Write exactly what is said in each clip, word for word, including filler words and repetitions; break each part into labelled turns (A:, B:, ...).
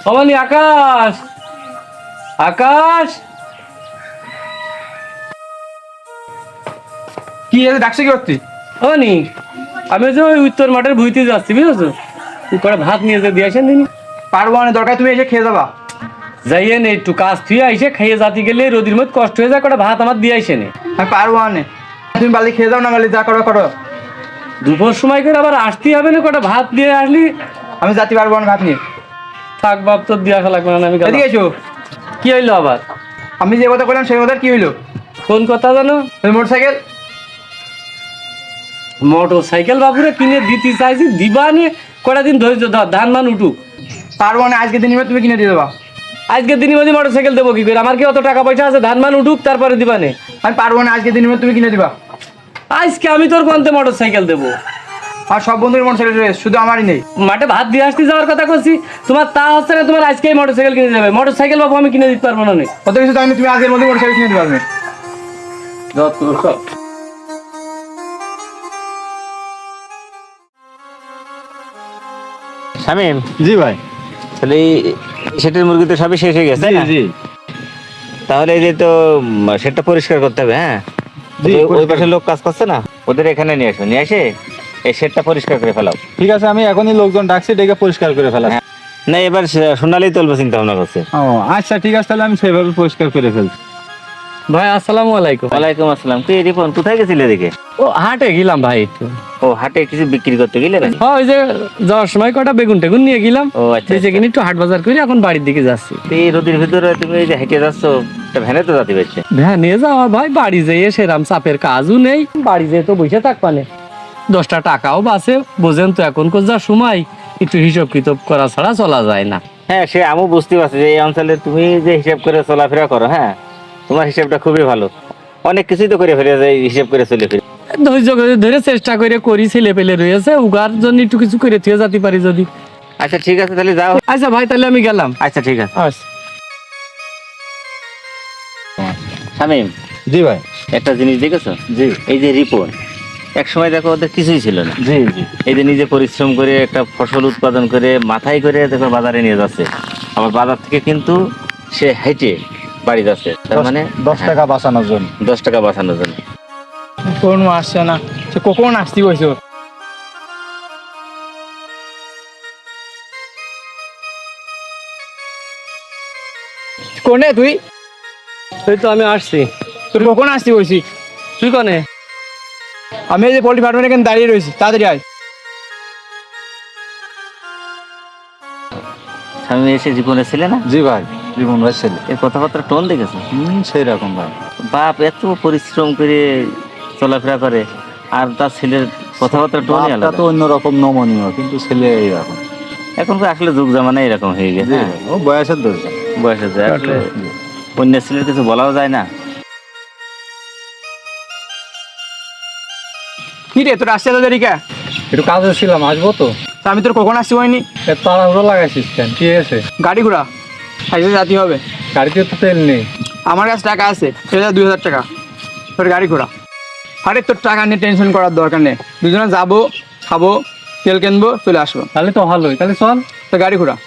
A: অমানি আকাশ আকাশ
B: কি এসে ডাকছে কি করতে?
A: অমানি আমি যে ওই উত্তর মাঠের ভুইতে যাচ্ছি বুঝেছো, তুই কটা ভাত নিয়ে যে দিয়ে আসেন দিনি।
B: পারবো না, দরকার তুমি এসে খেয়ে যাবা।
A: যাইয়ে নে একটু কাজ থুয়ে আইসে খাইয়ে জাতি গেলে রোদির মধ্যে কষ্ট হয়ে যায়, কটা ভাত আমার দিয়ে আইসে নে।
B: আমি পারবো না, তুমি বালি খেয়ে যাও না, বালি যা করো করো।
A: দুপুর সময় করে আবার আসতেই হবে না, কটা ভাত দিয়ে আসলি।
B: আমি যাতে পারবো না ভাত নিয়ে।
A: থাক বাপ, তোর দিয়ে আসা লাগবে না, আমি গেলাম।
B: এদিকে এসো।
A: কি হইলো আবার?
B: আমি যে কথা বললাম সেই কথা কি হইলো?
A: কোন কথা জানো?
B: মোটর সাইকেল
A: মোটর সাইকেল বাবুরে কিনে দিতে চাইছি, দিবা নিয়ে কটা দিন ধৈর্য ধর, ধান মান উঠুক।
B: পারবো না, আজকে দিন তুমি কিনে দিয়ে দেবা।
A: আজকের দিনের মধ্যে মোটর সাইকেল দেবো কি করে? আমার কি অত টাকা পয়সা আছে? ধান মান উঠুক তারপরে দিবা নে।
B: আমি পারবো না, আজকে দিনের মধ্যে তুমি কিনে দিবা।
A: আজকে আমি তোর কোনতে মোটর সাইকেল দেবো?
B: আর সব বন্ধুর মোটর সাইকেল রয়েছে, শুধু আমারই নেই।
A: মাঠে ভাত দিয়ে আসতে যাওয়ার কথা করছি, তোমার তা হচ্ছে না। তোমার আজকেই মোটর সাইকেল কিনে যাবে। মোটর সাইকেল বাবু আমি কিনে দিতে পারবো না।
B: কত কিছু জানি, তুমি আজকের মধ্যে মোটর সাইকেল কিনে দিতে পারবে।
C: শামিম,
D: জি ভাই।
C: তাহলে এই সেটের মুরগি তো সবই শেষ হয়ে গেছে, তাই না?
D: জি
C: তাহলে এই যে তো উম, সেটটা পরিষ্কার করতে হবে। হ্যাঁ,
D: জি,
C: ওই- ওই
D: পরিষ্কার।
C: পাশে লোক কাজ করছে না, ওদের এখানে নিয়ে আসো, নিয়ে এসে এই সেটটা পরিষ্কার করে ফেলাও।
D: ঠিক আছে, আমি এখনই লোকজন ডাকছি, ডেকে পরিষ্কার করে ফেলা।
C: হ্যাঁ। না, এবার সে- সোনালি তুলবো চিন্তা ভাবনা করছে।
D: ও আচ্ছা, ঠিক আছে, তাহলে আমি সেভাবে পরিষ্কার করে ফেলছি।
A: ভাই আসসালামু আলাইকুম।
C: ওয়ালাইকুম আসসালাম। তুই রিপন কোথায় গেছিলে এদিকে?
A: ও হাটে গেলাম ভাই একটু।
C: ও হাটে কিছু বিক্রি করতে গেলে না?
A: হ্যাঁ, ওই যে যাওয়ার সময় কটা বেগুন টেগুন নিয়ে গেলাম।
C: ও আচ্ছা,
A: বেঁচে কিনে একটু হাট বাজার করে এখন বাড়ির দিকে যাচ্ছি।
C: তুই এই রোদের ভিতরে তুমি এই যে হেঁটে যাচ্ছ, তা ভ্যানে তো যাতে পারছে।
A: হ্যাঁ নিয়ে যাওয়া ভাই, বাড়ি যেয়ে সেরাম চাপের কাজও নেই, বাড়ি যেয়ে তো বসে থাকবানে, দশটা টাকাও বাঁচে। বোঝেন তো এখনকার যা সময়, একটু হিসাব কিতাব করা ছাড়া চলা যায় না।
C: হ্যাঁ, সে আমি বুঝতে পারছি যে এই অঞ্চলে তুমি যে হিসাব করে চলাফেরা করো, হ্যাঁ তোমার হিসাবটা খুবই ভালো। অনেক কিছুই তো করে ফেলে যায় হিসাব করে চলে ফিরে।
A: ধৈর্য করে ধরে চেষ্টা করে করি, ছেলে পেলে রয়েছে, উগার জন্য একটু কিছু করে থুয়ে যেতে পারি যদি।
C: আচ্ছা ঠিক আছে, তাহলে যাও।
A: আচ্ছা ভাই, তাহলে আমি গেলাম।
C: আচ্ছা ঠিক আছে।
A: আচ্ছা।
C: শামিম,
D: জি ভাই।
C: একটা জিনিস দেখেছো?
D: জি
C: এই যে রিপন, এক সময় দেখো ওদের কিছুই ছিল না।
D: জি জি
C: এই যে নিজে পরিশ্রম করে একটা ফসল উৎপাদন করে মাথায় করে দেখো বাজারে নিয়ে যাচ্ছে, আবার বাজার থেকে কিন্তু সে হেঁটে বাড়ি যাচ্ছে। তার মানে
D: দশ টাকা বাঁচানোর জন্য।
C: দশ টাকা বাঁচানোর জন্য।
B: কোন আসছে না, সে কখন আসতে কইছো? কোনে তুই?
A: এই তো আমি আসছি।
B: তুই কখন আসতে কইছি?
A: তুই কনে?
B: আমি এই যে পোল্ট্রি ফার্মের এখানে দাঁড়িয়ে রয়েছি, তাড়াতাড়ি আয়।
C: স্বামী এসে জীবনে ছিলে না?
D: জি ভাই, জীবন ভাই ছেলে।
C: এর কথাবার্তা টোন দেখেছো?
D: হুম, সেই রকম ভাই।
C: বাপ এত পরিশ্রম করে চলাফেরা করে, আর তার ছেলের কথাবার্তা টোনই
D: বাপটা
C: আলাদা।
D: তো অন্যরকম নমনীয়, কিন্তু ছেলে এইরকম।
C: এখন তো আসলে যুগ জামানা এরকম হয়ে গেছে।
D: জি
C: হ্যাঁ,
D: ভাই, ও বয়সের দরকার।
C: বয়সে যায় আসলে অন্য ছেলের কিছু বলাও যায় না।
B: কি রে, তোর আসছে তাদের রিকা?
D: একটু কাজে ছিলাম, আসবো তো।
B: তা আমি তোর কখন আসতে হয়নি?
D: তাড়াহুড়ো লাগাইছিস কেন? কি আছে?
B: গাড়ি ঘোড়া খাইতে যেতে হবে।
D: গাড়িতে তো তেল নেই।
B: আমার কাছে টাকা আছে, সেটা দুই হাজার টাকা। তোর গাড়ি ঘোড়া। আরে তোর টাকা নিয়ে টেনশন করার দরকার নেই, দুজনে যাবো, খাবো, তেল কিনবো, চলে আসবো।
D: তাহলে তো ভালোই, তাহলে চল।
B: তোর গাড়ি ঘোড়া।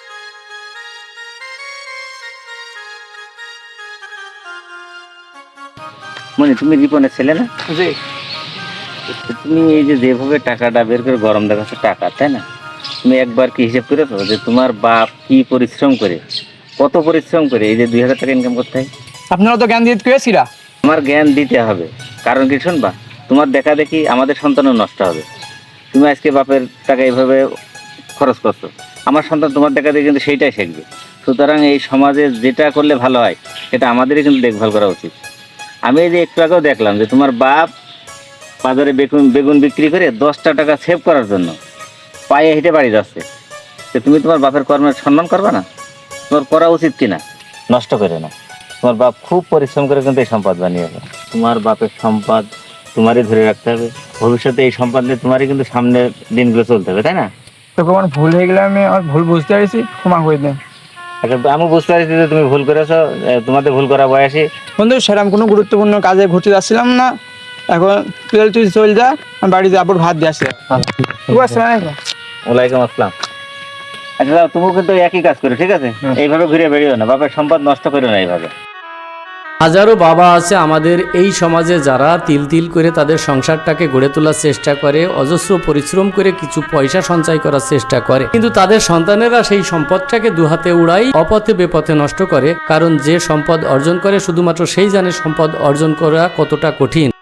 C: মানে তুমি রিপনের ছেলে না?
B: জি।
C: তুমি এই যে যেভাবে টাকাটা বের করে গরম দেখাচ্ছ টাকা, তাই না? তুমি একবার কি হিসেব করেছো যে তোমার বাপ কি পরিশ্রম করে, কত পরিশ্রম করে এই যে দুই হাজার টাকা ইনকাম করতে হয়?
B: আপনারা তো জ্ঞান দিয়ে পেয়েছিরা।
C: তোমার জ্ঞান দিতে হবে, কারণ কি শুনবা, তোমার দেখা দেখি আমাদের সন্তানও নষ্ট হবে। তুমি আজকে বাপের টাকা এইভাবে খরচ করছো, আমার সন্তান তোমার দেখা দেখে কিন্তু সেইটাই শিখবে। সুতরাং এই সমাজে যেটা করলে ভালো হয় সেটা আমাদেরই কিন্তু দেখভাল করা উচিত। আমি এই যে একটু আগেও দেখলাম যে তোমার বাপ বাজারে বেগুন বেগুন বিক্রি করে দশটা টাকা সেভ করার জন্য পায়ে হেঁটে বাড়ি যাচ্ছে। তো তুমি তোমার বাপের কর্মের সম্মান করবে না? তোমার করা উচিত কিনা? নষ্ট করে না। তোমার বাপ খুব পরিশ্রম করে কিন্তু এই সম্পদ বানিয়েছে। তোমার বাপের সম্পদ তোমারই ধরে রাখতে হবে। ভবিষ্যতে এই সম্পদ নিয়ে তোমারই কিন্তু সামনের দিনগুলো চলতে হবে, তাই না?
B: তোকে আমার ভুল হয়ে গেলে আমি আমার ভুল বুঝতে পারছি, ক্ষমা করে দেন।
C: আচ্ছা, আমি বুঝতে পারছি যে তুমি ভুল করেছো। এ, তোমাদের ভুল করা বয়সী।
B: বন্ধু, সেরকম কোনো গুরুত্বপূর্ণ কাজে ঘুরতে যাচ্ছিলাম না। এখন তুই তুই চল যা, আমি বাড়ি যাবো, ভাত দিয়ে আসি। ঠিক আছে।
C: ওয়ালাইকুম আসসালাম। আচ্ছা যাও, তুমিও কিন্তু একই কাজ করো, ঠিক আছে?
D: হুম।
C: এইভাবে ঘুরে বেরিও না, বাপের সম্পদ নষ্ট করো না এইভাবে।
A: হাজারো বাবা আছে আমাদের এই সমাজে যারা তিল তিল করে তাদের সংসারটাকে গড়ে তোলার চেষ্টা করে, অজস্র পরিশ্রম করে কিছু পয়সা সঞ্চয় করার চেষ্টা করে, কিন্তু তাদের সন্তানেরা সেই সম্পদটাকে দুহাতে উড়াই, অপথে বেপথে নষ্ট করে। কারণ যে সম্পদ অর্জন করে শুধুমাত্র সেই জানে সম্পদ অর্জন করা কতটা কঠিন।